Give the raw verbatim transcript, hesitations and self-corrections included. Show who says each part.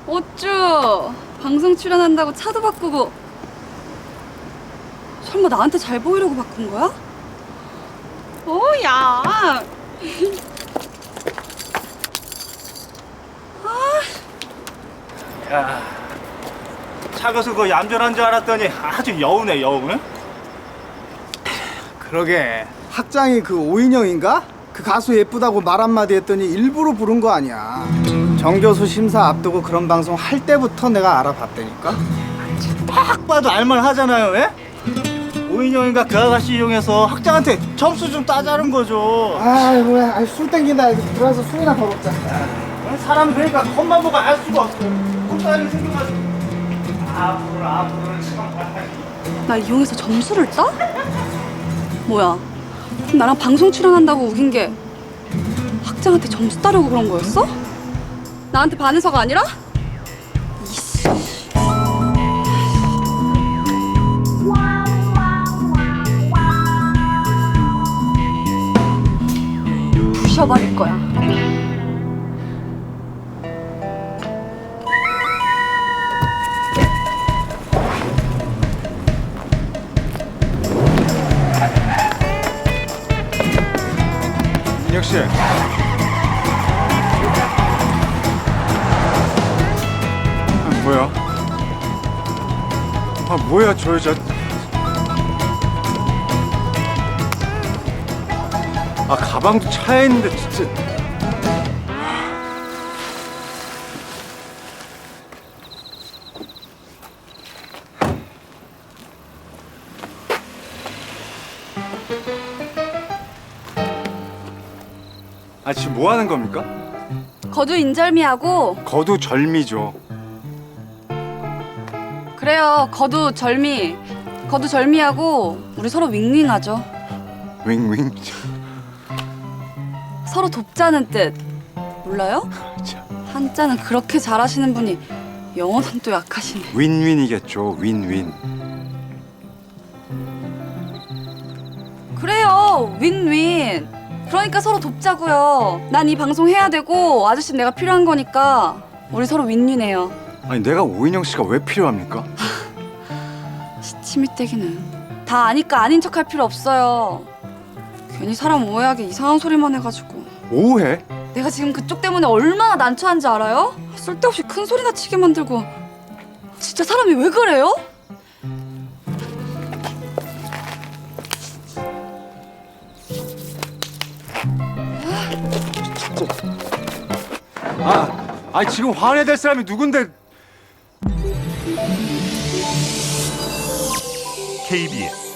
Speaker 1: 어쭈 방송 출연한다고 차도 바꾸고. 설마 나한테 잘 보이려고 바꾼 거야? 오야.
Speaker 2: 야, 차가서 그 얌전한 줄 알았더니 아주 여우네 여우. 응?
Speaker 3: 그러게 학장이 그 오인영인가? 그 가수 예쁘다고 말 한마디 했더니 일부러 부른 거 아니야. 정교수 심사 앞두고 그런 방송 할 때부터 내가 알아봤다니까.
Speaker 2: 딱 봐도 알만하잖아요. 예? 오인영인가 그 아가씨 이용해서 학장한테 점수 좀 따자는 거죠.
Speaker 3: 아이고, 아이, 술 땡긴다. 들어와서 술이나 더 먹자.
Speaker 2: 사람 그러니까 겉만 보고 알 수가 없어. 콧다리 생겨가지고. 앞으로 앞으로 참.
Speaker 1: 날 이용해서 점수를 따? 뭐야? 그럼 나랑 방송 출연한다고 우긴 게 학장한테 점수 따려고 그런 거였어? 나한테 반해서가 아니라? 이씨. 부셔버릴 거야.
Speaker 4: 인혁 씨. 아, 뭐야? 아, 뭐야, 저 여자. 아, 가방도 차에 있는데, 진짜. 아, 지금 뭐 하는 겁니까?
Speaker 1: 거두 인절미하고.
Speaker 4: 거두절미죠.
Speaker 1: 그래요. 거두 절미. 거두 절미하고 우리 서로 윙윙하죠.
Speaker 4: 윙윙.
Speaker 1: 서로 돕자는 뜻. 몰라요?
Speaker 4: 참.
Speaker 1: 한자는 그렇게 잘하시는 분이 영어는 또 약하시네.
Speaker 4: 윈윈이겠죠. 윈윈.
Speaker 1: 그래요. 윈윈. 그러니까 서로 돕자고요. 난 이 방송 해야 되고 아저씨는 내가 필요한 거니까 우리 서로 윈윈해요.
Speaker 4: 아니, 내가 오인영 씨가 왜 필요합니까?
Speaker 1: 시치미떼기는 다 아니까 아닌 척 할 필요 없어요. 괜히 사람 오해하게 이상한 소리만 해가지고.
Speaker 4: 오해?
Speaker 1: 내가 지금 그쪽 때문에 얼마나 난처한지 알아요? 쓸데없이 큰 소리나 치게 만들고. 진짜 사람이 왜 그래요?
Speaker 4: 아, 아니 지금 화내야 될 사람이 누군데?
Speaker 5: 케이비에스